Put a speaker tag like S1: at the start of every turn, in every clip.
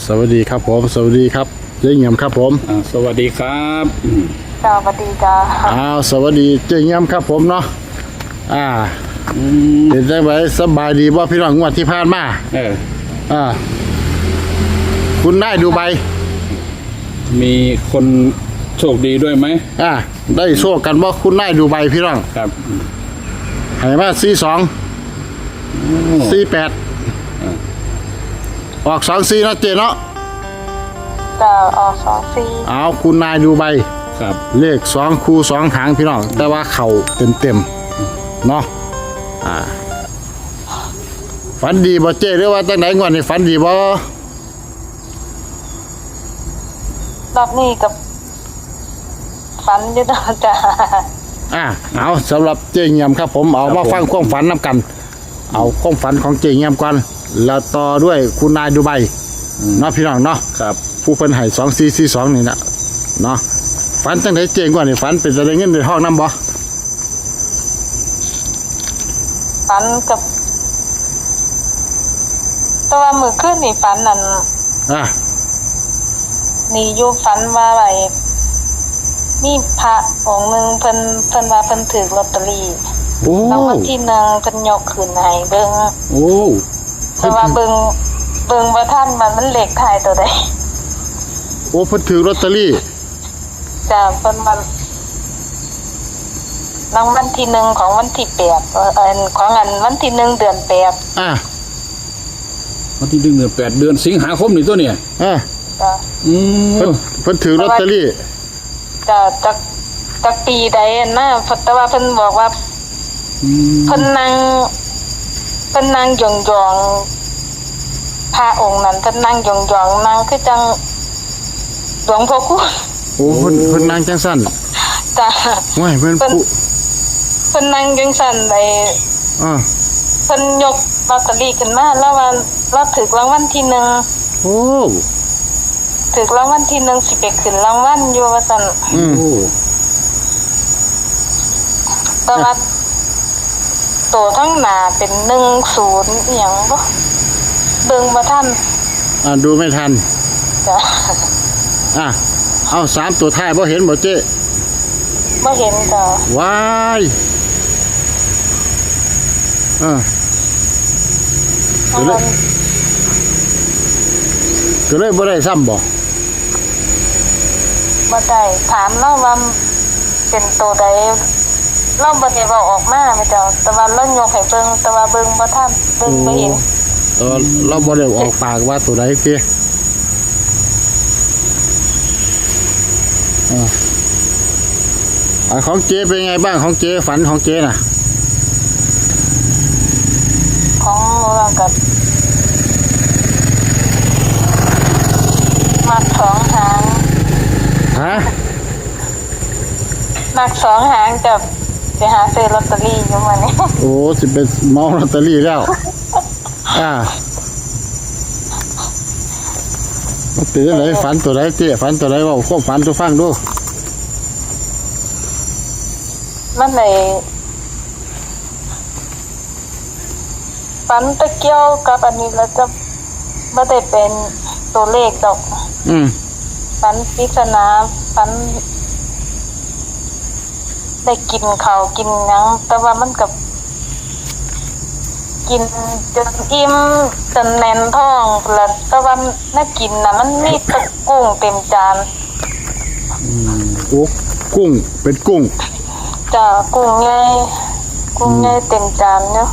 S1: สวัสดีครับผมสวัสดีครับเจ๊เงียมครับผม
S2: สวัสดีครับ
S3: จ้าสวัสดีจ้า
S1: สวัสดีเจ๊เงียมครับผมเนาะเป็นจังไงสบายดีบ่พี่น้องงวดที่ผ่านมาคุณได้ดูใบ
S2: มีคนโชคดีด้วยไหม
S1: ได้โชคกันว่าคุณได้ดูใบพี่น้อง
S2: ครับ
S1: ให้มา42 48ออก24นะเจ๊เนาะ
S3: จ้าออก24
S1: เอาคุณนายดูใบ
S2: ครับ
S1: เลข2คู่2หางพี่น้องแต่ว่าเข่าเต็มเนาะฝันดีบ่เจ๊หรือว่าจังไหนงวดนี้ฝันดีบ่
S3: รอบนี้กับฝันอยู่นะจ้า
S1: เอาสำหรับเจ๊เงียมครับผมเอามาฟังความฝันน้ำกันเอาความฝันของเจ๊เงียมก่อนแล้วต่อด้วยคุณนายดูใบเนาะพี่น้องเนาะ
S2: ครับ
S1: ผู้เพิ่นให้2442นี่นะเนาะฝันจังไหนเจ๊กว่านี่ฝันเป็นจะได้เงินในห้องน้ำบ่
S3: ฝันกับแต่ว่ามื้อคืนนี่ฝันนั่นนี่อยู่ฝันว่าอะไรมีพระองค์นึงเพิ่นว่าเพิ่นถือลอตเตอรี่รางวัลที่1เพิ่นยกขึ้นให้เบิ่งแต่ว่าเบิ่งบ่ทันมันเลขท้ายตัวใด
S1: เพิ่นถือลอตเตอรี่
S3: จ้ะเพิ่นว่ารางวัลที่1ของวันที่8ของวันที่1เดือน8
S2: วันที่1เดือน8เดือนสิงหาคมนี่ตัวเนี่ย
S3: จ้ะ
S1: เพิ่นถือลอตเตอรี่
S3: จ้ะจักปีใดนะแต่ว่าเพิ่นบอกว่าเพิ่นนั่งยองๆพระองค์นั้นเพิ่นนั่งยองๆนั่งคือจังหลวงพ่อคูณ
S1: เพิ่นนั่งจังซั่น
S3: จ้ะ
S1: ว้ายเพิ่
S3: นนั่งจังซั่นได้เพิ่นยกลอตเตอรี่ขึ้นมาแล้วว่าเราถูกรางวัลที่1ถูกรางวัลที่1สิไปขึ้นรางวัลอยู่ว่าซั่นแต่ว่าตัวทั้งหน้าเป็น10อีหยังบ่เบิ่งบ่ทัน
S1: ดูไม่ทัน
S3: จ้ะ
S1: เอา3ตัวท้ายบ่เห็นบ่เจ๊
S3: บ่เห็นจ้ะ
S1: ว้ายก็เลยบ่ได้ซ้ำบ่
S3: ได้ถามเราว่าเป็นตัวใดเราบ่ได้เว้าออกมาแม่เจ้าแต่ว่าเรายกให้เบิ่งแต่ว่าเบิ่งบ่ทันเบิ่งบ่เห็น
S1: เราบ่ได้ออกปากว่าตัวใดติของเจ๊เป็นไงบ้างของเจ๊ฝันของเจ๊น่ะ
S3: ของเรากับมัก2หางมัก2หางกับไปหาซื้อลอตเตอรี่อยู่มื้อนี้
S1: สิเป็นเมาลอตเตอรี่แล้วมันเป็นจังได๋ฝันตัวใดเจ๊ฝันตัวใดเว้าความฝันสู่ฟังดู
S3: มันเลยฝันตะเกียวกับอันนี้แล้วจะไม่ได้เป็นตัวเลขดอกฝันปริศนาฝันได้กินข้าวกินหยังแต่ว่ามันกับกินจนอิ่มจนแน่นท้องแล้วแต่ว่าน่ากินนะมันมีตะกุ้งเต็มจาน
S1: กุ้งเป็นกุ้ง
S3: จ้ากุ้งใหญ่เต็มจานเนาะ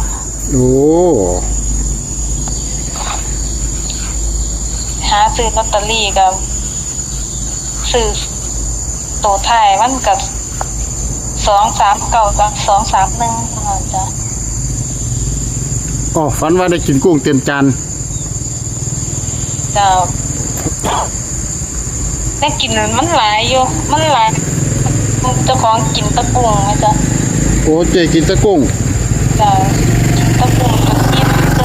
S3: หาซื้อลอตเตอรี่กับซื้อตัวท้ายมันกับ239กับ231จ้ะ
S1: ฝันว่าได้กินกุ้งเต็มจาน
S3: จ้าได้กินมันหลายอยู่มันหลายเจ้าของกินตะกุ้งไหมจ๊ะ
S1: เจ๊กินตะกุ้ง
S3: จ้ะกินตะกุ้งกับกินตึ้ง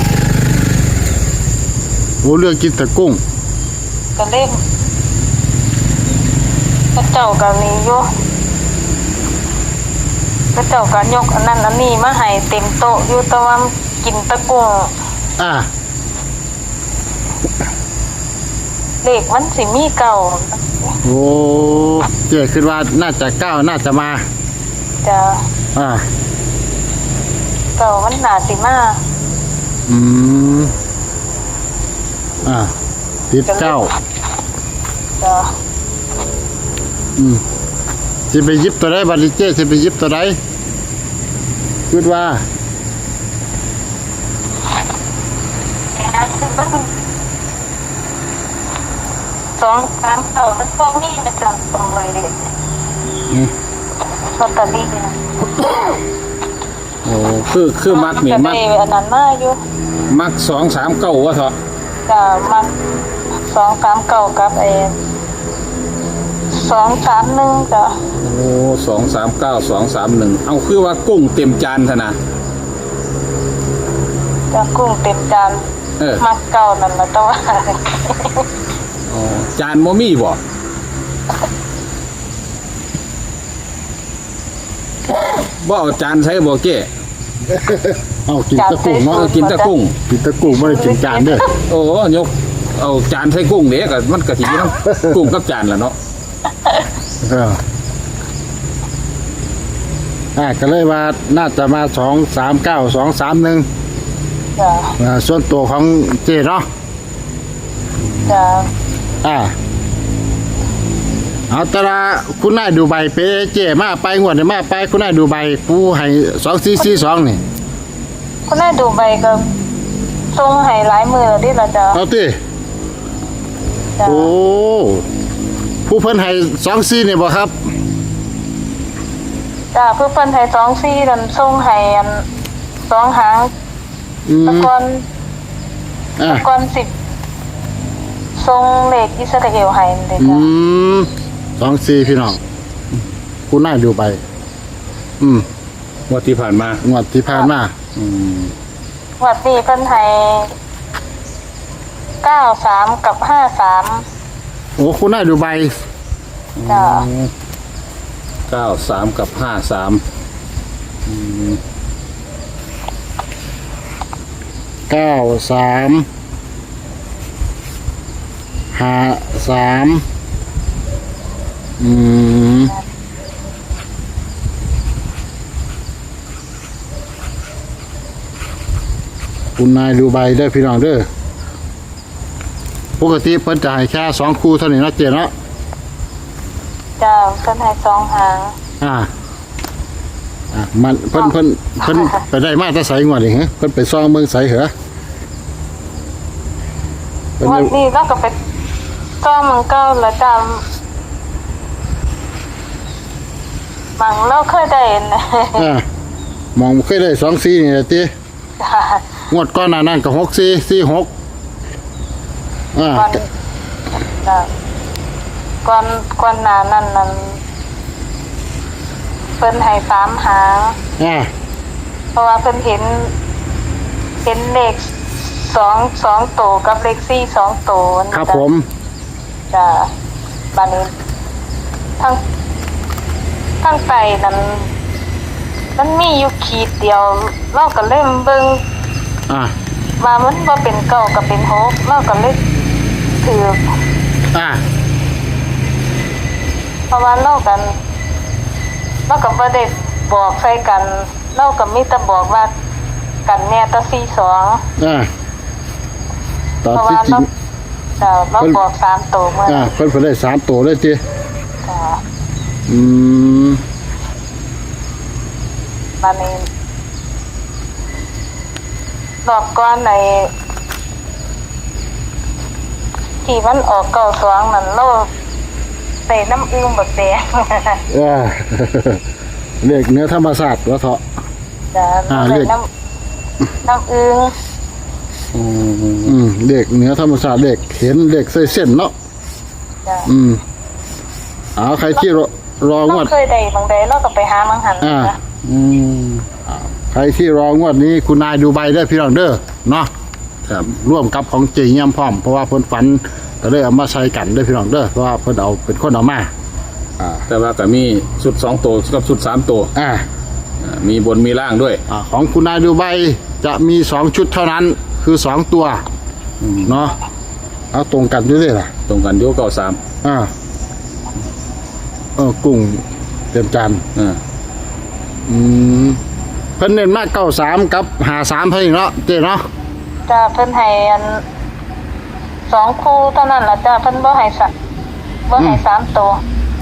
S1: เลือกกินตะกุ้ง
S3: ก็เล่นพระเจ้าก็มีอยู่พระเจ้าก็ยกอันนั้นอันนี้มาให้เต็มโต๊ะอยู่แต่ว่ากินตะกุ้งเลขมันสิมีเก่า
S1: โอ้เจ๊คิดว่าน่าจะเก้าน่าจะมา
S3: จะ
S1: อ่า
S3: เก่ามันน่าสิมา
S1: อืมอ่าติดเก้า
S3: จะ
S1: อืมสิไปหยิบตัวใดบัดนี้เจ๊สิไปหยิบตัวใดคิดว่า
S3: สองสามเก่ามันก็มีประจำตรงเลยเลยลอตเตอรี่เนี่ย
S2: โอ้คือมักนี่
S3: จะ
S2: มัก
S3: ได้อันนั้นมาอยู่
S2: มัก239ว่าเถอะ
S3: จะมาสองสามเก่ากับสองสามหนึ่งจะ
S2: โอ้239 231เอาคือว่ากุ้งเต็มจานซะนะ
S3: จะกุ้งเต็มจาน
S2: เออ
S3: มักเก่านั่นละแต่ว่า
S2: อ๋อจานบ่มีบ่บ่เอาจานใช้บ่เก้
S1: เอากินตะกุ้งเนาะ
S2: กินแต่กุ้ง
S1: กินตะกุ้งไม่ได้กินจานเด้อ
S2: โอ้ยกเอาจานใส่กุ้งเด้ก็มันก็สิอยู่นำ กุ้งกับจานล่ะเนาะ
S1: เออก็เลยว่าน่าจะมา239 231
S3: จะ
S1: ส่วนตัวของเจ๊เนาะ
S3: จะ
S1: เอาแตละคุณนายดูใบไปเจ๊มาไปงวดนี้มาไปคุณนายดูใบปูให้2442นี่
S3: คุณนายดูใบก็ส่งให้หลายมือแล้วดิล่ะจ้ะ
S1: เอาติ
S3: จ้ะ
S1: โอ้ผู้เพิ่นให้24นี่บ่ครับ
S3: จ้ะเพื่อเพิ่นให้24นั่นส่งให้อันสองหาง
S1: อืม
S3: ตะกอน
S1: อ่า
S3: ก่อนสิบทรงเลขอิสราเอลให้เลย
S1: อื
S3: จ้ะ
S1: ม24พี่น้องคุณนายดูใบอืม
S2: งวดที่ผ่านมาง
S1: วดที่ผ่านมา
S2: อืม
S3: วัดนี้เพิ่นให้93กับ53
S1: โอ้คุณนายดูใบ
S3: จ้ะ
S2: 93กับ53อืม
S1: 93 53อืมคุณนายดูใบได้อพี่น้องเด้อปกติเพิ่นจะให้แค่2คู่เท่านี้เนาะเจ๊เนาะ
S3: จ้ะเพิ่นให้สองหาง
S1: มันเพิ่นไปได้มาแต่ไสงวดนี่ฮะเพิ่นไปซ่องเมืองไสเหรอเพิ่น
S3: วั
S1: ได้
S3: นนี้เราก็ไปซ่อมมันเก่าแล้วจ้ะบางเราเคยได้นะ
S1: มองเคยได้2-4นี่แหละติ
S3: จ้ะ
S1: งวดก่อนหน้านั้นก็6-4 4-6
S3: ก่อนจ้ะก่อนหน้านั้นเพิ่นให้3หาง เพราะว่าเพิ่นเห็นเลข2 ตัวกับเลข4 2 ตัวนะครับ
S1: ผม
S3: จ้ะบานี้ทั้งไตนั้นมันมีอยู่ขีดเดียวเราก็เล่มเบิ่ง
S1: อ่า
S3: ว่ามันบ่เป็นเก้าก็เป็นหกเราก็เลยถือ
S1: อ่า
S3: เพราะว่าเราก็บ่ได้บอกใส่กันเราก็มีแต่บอกว่ากันแน่แตะ42
S1: อ่าตอน
S3: เพราะ
S1: ที่
S3: ว่า
S1: จริง
S3: เราบอก3ตัวเมื่อ
S1: เพิ่นได้3ตัวเลยติ
S3: จ้ะ
S1: อืม
S3: บานี้ดอกก้อนในที่มันออก92นั่นเราใส่น้ำอึ้งบักแดง
S1: เลขเนื้อธรรมศาสตร์ว่าเถาะ
S3: จ้ะ
S1: เล
S3: ใส่
S1: ข
S3: น้ำอึ้ง
S1: เลขเนื้อธรรมศาสตร์เลขเห็นเลขเส้นเนาะ
S3: จ้ะ
S1: เอาใครที่รอง
S3: เรา
S1: วด
S3: เคยได้บางใดเราก็ไปหามังหัน
S1: อ่า
S3: นะ
S2: อืม
S1: ใครที่รองวดนี้คุณนายดูใบได้อพี่น้องเด้อเนาะ
S2: ครับ
S1: ร่วมกับของเจียมพร้อมเพราะว่าเพิ่นฝันก็เลยเอามาใช้กันเด้อพี่น้องเด้อเพราะว่าเพิ่นเอาเป็นคนเอามา
S2: แต่ว่าก็มีชุด2ตัวกับชุด3ตัว มีบนมีล่างด้วย
S1: ของคุณนายดูใบจะมี2ชุดเท่านั้นคือ2ตัวเนาะเอาตรงกันด้วยเลยล่ะ
S2: ตรงกันอยู่93
S1: กุ้งเต็มจานเพิ่นเน้นมาก93กับ53เพิ่นเนาะเจ๊เนาะ
S3: จ้าเพิ่นให้อัน2คู่เท่านั้นล่ะจ้าเพิ่นบ่ให้3ตัว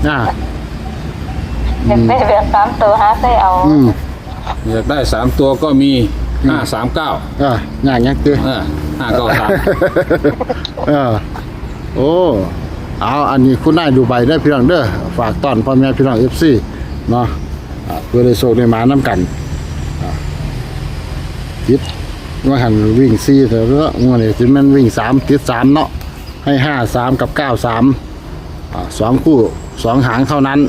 S3: อยากได้แบบ3ตัวหาใส่เอา
S2: อยากได้3ตัวก็มี539
S1: อย่างยังตื้อ
S2: 593
S1: โอ้เอาอันนี้คุณนายดูใบได้พี่น้องเด้อฝากต้อนพ่อแม่พี่น้อง FC เนาะเพื่อได้โชคได้หมาน้ำกันติดว่าหันวิ่ง4เถอะเนาะมื้อนี้สิแม่นวิ่ง3ติด3เนาะให้53กับ93 2คู่2หางเท่านั้น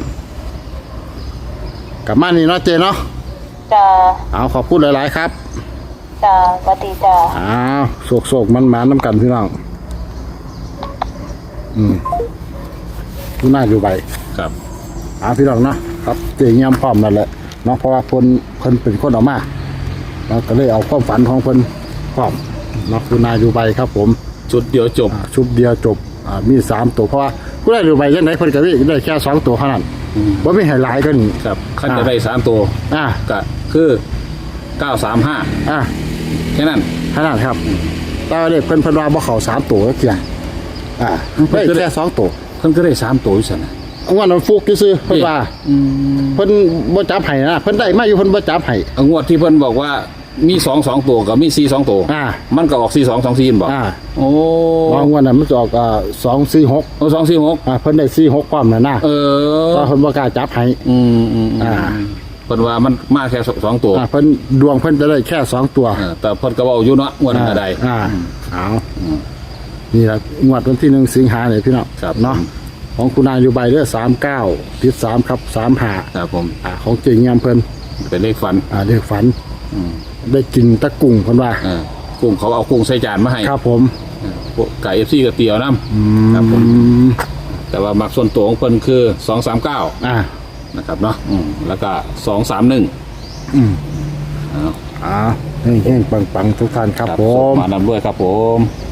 S1: กลับมานี่เนาะเจเนาะ
S3: จ้า
S1: เอาขอบคุณหลายๆครับ
S3: จ้าสวัสดีจ้า
S1: โศกมันหมาน้ำกันพี่น้องคุณน่าดูใบ
S2: ครับ
S1: พี่น้องเนาะครับเจียมพร้อมนั่นแหละเนาะเพราะว่าคนเป็นคนออกมาเราก็เลยเอาความฝันของคนพร้อมเนาะคุณนายดูใบครับผม
S2: ชุดเดียวจบ
S1: มี3ตัวเพราะว่าคุณนายดูใบยังไงคนก็ได้แค่2ตัวเท่านั้นว่าไม่ให้หลายก็นี่
S2: ครับขั้นจะได้3ตัวก็คือ935แค่นั้น
S1: ครับตอนเด็กเพิ่นว่าบ่เข้า3ตัวก็เกี่ยได้แค่2ตัว
S2: เพิ่นก็ได้3ตัวอยู่ซั่นน่ะ
S1: งวดนั้นฟุกซื่อเพิ่นว่าเพิ่นบ่จับให้นะเพิ่นได้มาอยู่เพิ่นบ่จับให้
S2: งวดที่เพิ่นบอกว่ามี2ตัวกับมี4 2ตัวมันก็ออก4 2 2 4บ่โอ้
S1: งวดนั้นมันจะออก246
S2: 246
S1: เพิ่นได้46ความน่ะนะเพราะเพิ่นบ่กล้าจับให้
S2: เพิ่นว่ามันมาแค่2ตัว
S1: เพิ่นดวงเพิ่นจะได้แค่2ตัว
S2: แต่เพิ่นก็เว้าอยู่เนาะงวดนั้นได้
S1: เอานี่ล่ะงวดวันที่1สิงหาคมนี่พี่น้องเนาะของคุณนายอยู่ใบเด้อ39ติด3ครับ35
S2: ครับผม
S1: ของเจงยามเพิ่น
S2: เป็นเลขฝัน
S1: เลขฝันได้กินตะกุ้งเพิ่นว่า
S2: กุ้งเขาเอากุ้งใส่จานมาให้
S1: ครับผม
S2: ไก่ FC ก็เตี๋ยวน้ำครับผมแต่ว่ามักส่วนตัวของเพิ่นคือ239นะครับเนาะแล้วก็231
S1: เฮ้งๆปังๆทุกท่านครับผม
S2: มานำด้วยครับผม